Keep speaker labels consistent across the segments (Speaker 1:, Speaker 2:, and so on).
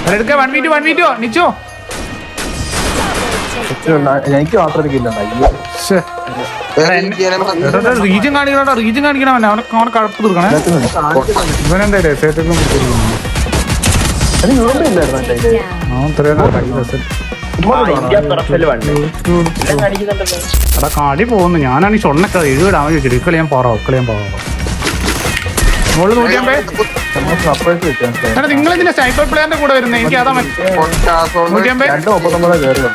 Speaker 1: എടുക്ക 1v2 നിച്ചോ.
Speaker 2: എനിക്ക് മാത്രം
Speaker 1: റീജൻ കാണിക്കണം അവനെ കഴപ്പ് തീർക്കണേ. ഇവനെന്താ എടാ കളി പോകുന്നു. ഞാനാണ് ഈ ഷൊണ്ണൊക്കെ 7 ഡാമേജ് വെച്ചിട്ട് ഇക്കളി ഞാൻ പോറാം. മോള് 150. എടാ നിങ്ങളിതിന്റെ സ്നൈപ്പർ പ്ലെയറിന്റെ കൂടെ വരുന്നത് എനിക്ക് അതാ 150.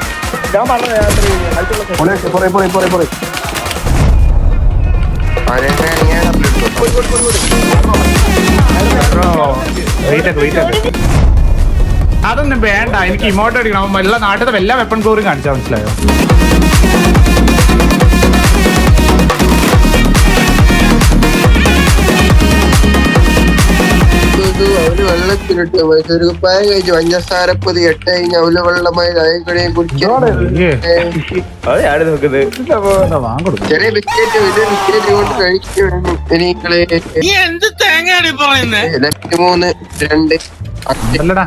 Speaker 1: അതൊന്നും വേണ്ട, എനിക്ക് ഇമോട്ട് അടിക്കണം. എല്ലാ നാട്ടിലത്തെ എല്ലാ വെപ്പൺ കോറും കാണിച്ചാൽ മനസ്സിലായോ?
Speaker 3: അവര് വെള്ളത്തിലിട്ട് മൈസൂർ കുപ്പായം കഴിച്ചു പഞ്ചസാരപ്പൊതി 8 കഴിഞ്ഞ അവല് വെള്ളമായി ചായക്കടയും കുടിക്കാൻ ചെറിയ ബിസ്ക്കറ്റ് വലിയ ബിസ്ക്കറ്റ് കൊണ്ട് കഴിക്കും. 3 2
Speaker 1: അല്ലടാ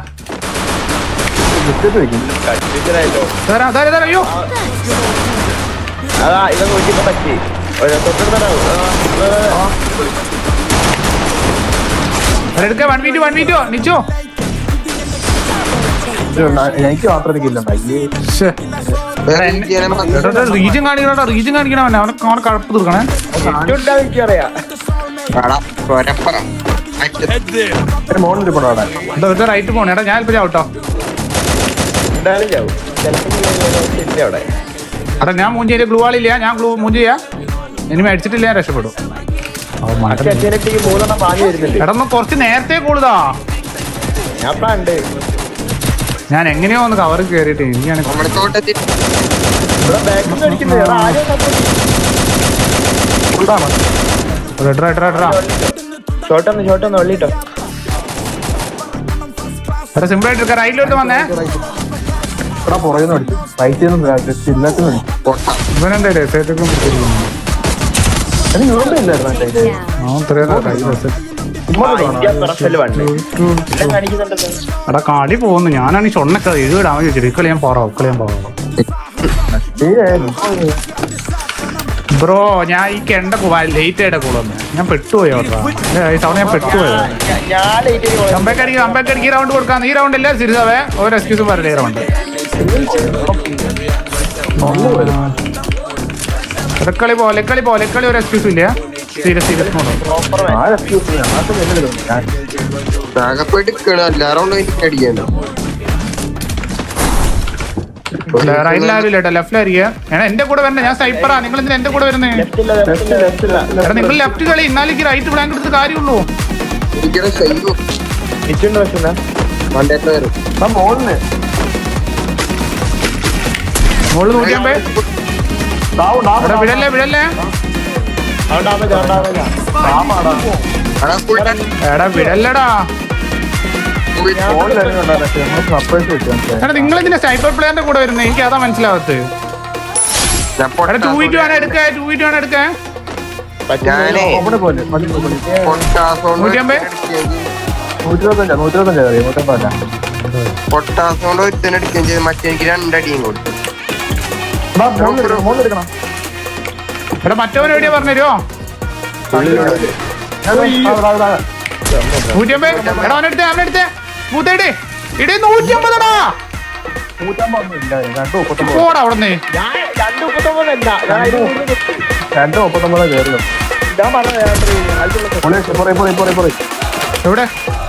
Speaker 1: അയ്യോ എടുക്ക 1v2 നിച്ചോ.
Speaker 2: എനിക്ക് മാത്രം
Speaker 1: റീജൻ കാണിക്കണം അവനെ കഴപ്പ് തീർക്കണേ. റൈറ്റ് പോണേ. എടാ ഞാൻ ഇപ്പൊ ചാവട്ടോ. എടാ ഞാൻ മൂഞ്ചിയ ഗ്ലൂ ആളില്ല. ഞാൻ മൂഞ്ച് ചെയ്യാ. ഇനി അടിച്ചിട്ടില്ല ഞാൻ രക്ഷപ്പെടും. എടാ കുറച്ച് നേരത്തെ കൂടുതലാ. ഞാൻ എങ്ങനെയോ ഒന്ന് കവർ കേറിയിട്ട് എനിക്കാണ് സിമ്പിൾ ആയിട്ട് റൈറ്റിലോട്ട് വന്നേ. ഇവനെന്താ രസമായിട്ടൊക്കെ എടാ കളി പോകുന്നു. ഞാനാണ് ഈ ഷൊണ്ണൊക്കെ 7 ഡാമേജ് വെച്ചിട്ട് ഇക്കളി ഞാൻ പോറാം. ബ്രോ ഞാൻ ഈ കെണ്ട ലേറ്റ് ആയിട്ട് കൂടെ ഞാൻ പെട്ടുപോയോ തവണ ഞാൻ പെട്ടുപോയോ. കമ്പേക്കടിക്ക് റൗണ്ട് കൊടുക്കാം. ഈ റൗണ്ട് ഇല്ല സിരിസാവേ ഒരു എക്സ്ക്യൂസും പറയില്ല. ഈ റൗണ്ട് ലെക്കളി ഒരു എക്സ്ക്യൂസും ഇല്ല. സീരിയസ് റൈറ്റിലാരില്ല ലെഫ്റ്റിലായിരിക്കും. എന്റെ കൂടെ വരണേ. ഞാൻ സൈപ്പറാ. നിങ്ങൾ എന്തിനാ എന്റെ കൂടെ വരുന്നേ? നിങ്ങൾ ലെഫ്റ്റ് കളി. എന്നാലേക്ക് റൈറ്റ് ബ്ലാങ്ക് എടുത്ത് കാര്യമുള്ളൂ. മോള് 150. വിടല്ലേ എടാ വിടല്ലടാ. നിങ്ങൾ ഇതിന്റെ സൈബർ പ്ലെയറിന്റെ കൂടെ വരുന്നത് എനിക്ക് അതാ മനസ്സിലാവത്ത്. 2v2 ആണ് എടുക്ക. 150.
Speaker 3: പൊട്ടാസോണ്ട് ഒരുത്തനടിക്കുകയും ചെയ്ത് മറ്റേക്ക് 2 അടിയും കൊടുത്തു.
Speaker 1: എടാ മറ്റവൻ എവിടെയാ പറഞ്ഞുതരുമോ? 150. എടാ അവനെടുത്തേ മൂത്തേടെ ഇടേ 150ടാ. പോടാ അവിടുന്ന്. എവിടെ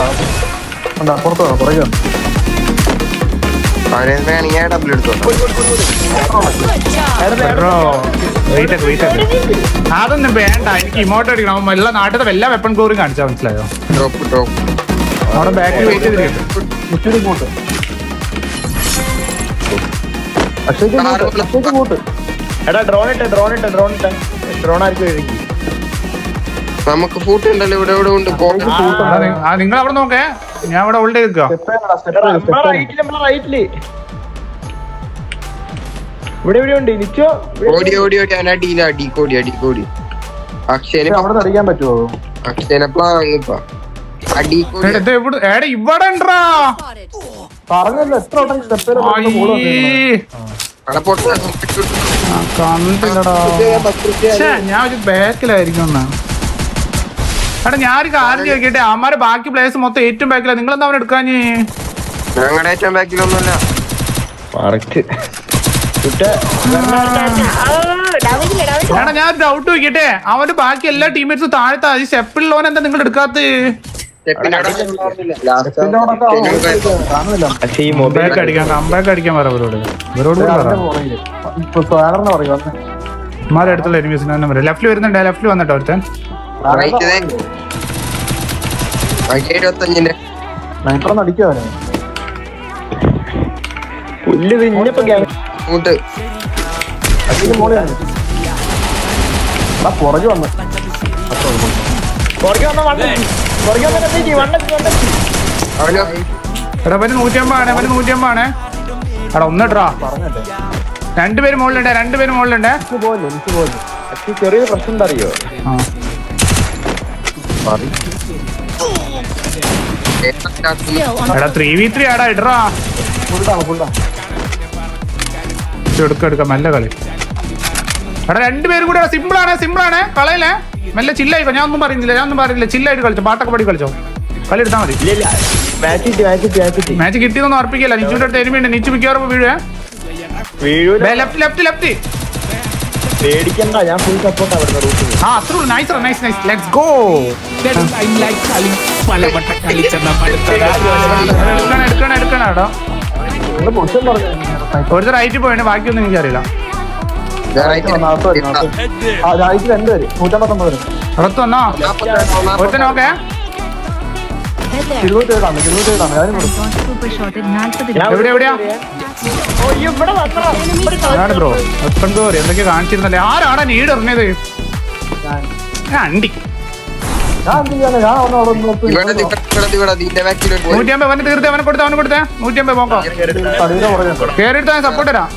Speaker 1: അതൊന്നും വേണ്ട, എനിക്ക് ഇമോട്ട് അടിക്കണം. എല്ലാ നാട്ടിലത്തെ എല്ലാ വെപ്പൺ കോറും കാണിച്ചാൽ മനസ്സിലായോ? അവിടെ ബാക്കിൽ വെയിറ്റ് ചെയ്തിട്ടുണ്ട്.
Speaker 3: നമുക്ക് ഫൂട്ട് ഉണ്ടല്ലോ ഇവിടെ ഇവിടെ ഉണ്ട്.
Speaker 1: നിങ്ങൾ അവിടെ നോക്കേ, ഞാൻ ഇവിടെ ഹോൾഡ് ചെയ്ത്
Speaker 3: ഓടി ഓടി ഓടി അടിയില്ല അടിക്കോടി അടിക്കോടി. അക്ഷയനെ
Speaker 2: അടിക്കാൻ പറ്റുമോ?
Speaker 3: അക്ഷയനെ പ്ലാങ്ങിപ്പ അടിക്കോടി
Speaker 1: ഇവിടെ
Speaker 2: പറഞ്ഞല്ലോ എത്ര വട്ടം സ്റ്റെപ്പ്
Speaker 1: കണ്ടില്ലടാ. ഛേ, ഞാൻ ഒരു ബാക്കിലായിരിക്കും എന്നാ. എടാ ഞാനൊരു കാര്യം ചോദിക്കട്ടെ, അവന്മാരെ ബാക്കി പ്ലേയേഴ്സ് മൊത്തം ഏറ്റവും ബാക്കിലാ, നിങ്ങളെന്താ അവൻ എടുക്കാഞ്ഞ്?
Speaker 3: ഞങ്ങളുടെ ഏറ്റവും ബാക്കിലൊന്നുമല്ല.
Speaker 1: എടാ ഞാൻ ഡൗട്ട് ചോദിക്കട്ടെ, അവന്റെ ബാക്കി എല്ലാ ടീമേറ്റ്സും താഴത്താ, ഈ സ്റ്റെപ്പിലുള്ളവൻ എന്താ നിങ്ങൾ എടുക്കാത്ത? കംബാക്ക് അടിക്കാൻ പറ ഇവരോട്. ഇവരോട് മാരെ അടുത്തുള്ള എനിമീസിന് തന്നെ പറയാം. ലെഫ്റ്റിൽ വരുന്നുണ്ട്, ലെഫ്റ്റിൽ വന്നിട്ടോ ഒരുത്തൻ.
Speaker 2: അടിക്കാവനെ പുറകെ വന്ന്
Speaker 1: എടാ അവന് 150 അവന് 150 എടാ ഒന്നിട്ടാ. രണ്ടുപേര് മുകളിലുണ്ട്, രണ്ടുപേര് മുകളിലുണ്ട്.
Speaker 2: ചെറിയൊരു പ്രശ്നം എന്താ അറിയോ?
Speaker 1: എടാ 3v3 ആടാ, ഇടറാ. എടുക്കാം മെല്ലെ കളി. എടാ രണ്ടുപേരും കൂടെ സിമ്പിൾ ആണ് കളയില്ലേ, മെല്ലെ ചില്ലായിക്കോ. ഞാൻ ഒന്നും പറയുന്നില്ല, ചില്ലായിട്ട് കളിച്ചോ, പാട്ടൊക്കെ പാടി കളിച്ചോ, കളി എടുത്താൽ മതി. മാച്ച് കിട്ടിയെന്നൊന്നും ഉറപ്പിക്കില്ല. നിച്ചുവിന്റെ അടുത്ത് എനിമിയുണ്ട്, നിച്ചു മിക്കവാറും വീഴുവേ. ലെഫ്റ്റ്
Speaker 2: പേടിക്കണ്ട, ഞാൻ ഫുൾ സപ്പോർട്ട് അവിടെ റൂട്ടിൽ.
Speaker 1: Nice let's go. എടുക്കണം എടാ.
Speaker 2: മോശം പറഞ്ഞു
Speaker 1: ഒരു റൈറ്റ് പോയാണ്, ബാക്കിയൊന്നും എനിക്കറിയില്ല.
Speaker 2: രണ്ടുപേര് 159
Speaker 1: പുറത്ത് വന്നോ ഒരുത്തൻ? ഓക്കെ എവിടെയാ ബ്രോ? എന്തൊക്കെ കാണിച്ചിരുന്നല്ലേ? ആരാണ് നീട് എറിഞ്ഞത്? അണ്ടി 150 അവന് തീർത്ത്, അവനെ കൊടുത്തേ 150 പോക്കോ. കേറിയെടുത്താ സപ്പോർട്ട് തരാം.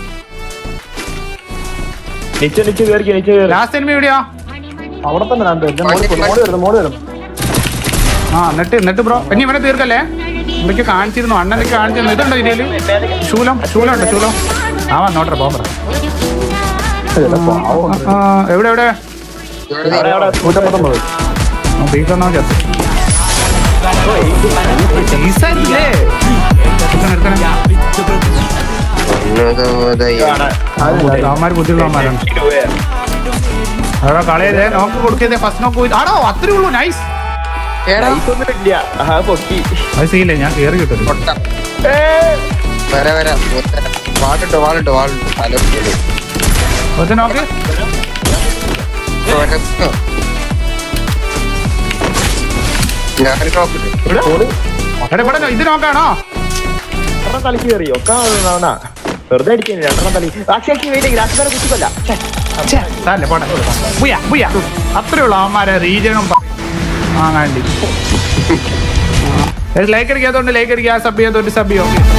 Speaker 1: ലാസ്റ്റ് എനിമി എവിടെയാ?
Speaker 2: അവിടെ തന്നെ മോള് വരും.
Speaker 1: എന്നിട്ട് ബ്രോ ഇനി ഇവനെ തീർക്കല്ലേ? എന്തൊക്കെ കാണിച്ചിരുന്നു, അണ്ണനൊക്കെ കാണിച്ചിരുന്നു. ഇതുണ്ടോ ഇതില്? ശൂലം ഉണ്ട്. ആ വന്നോട്ടെ പോകാം. എവിടെ അവന്മാര് ബുദ്ധിയുള്ളവന്മാരാണ്. അവിടെ കളയതേ നോക്ക് കൊടുക്കതേ, ഫസ്റ്റ് നോക്ക് പോയി. ആണോ അത്രേ ഉള്ളൂ? നൈസ്. അത് സീല്ലേ, ഞാൻ കേറി കിട്ടും. നോക്ക് ഇത് നോക്കാണോ?
Speaker 2: തലക്ക് കയറി ഒക്കെ വെറുതെ അടിക്കാൻ 2 തലി.
Speaker 1: അത്രേ ഉള്ളൂ അവന്മാരെ റീജനും വാങ്ങാണ്ടി. ലൈക്ക് അടിക്കാത്തോണ്ട് ലൈക്ക് അടിക്കുക, സബ് ചെയ്യാത്തോണ്ട് സബ് ചെയ്യോ.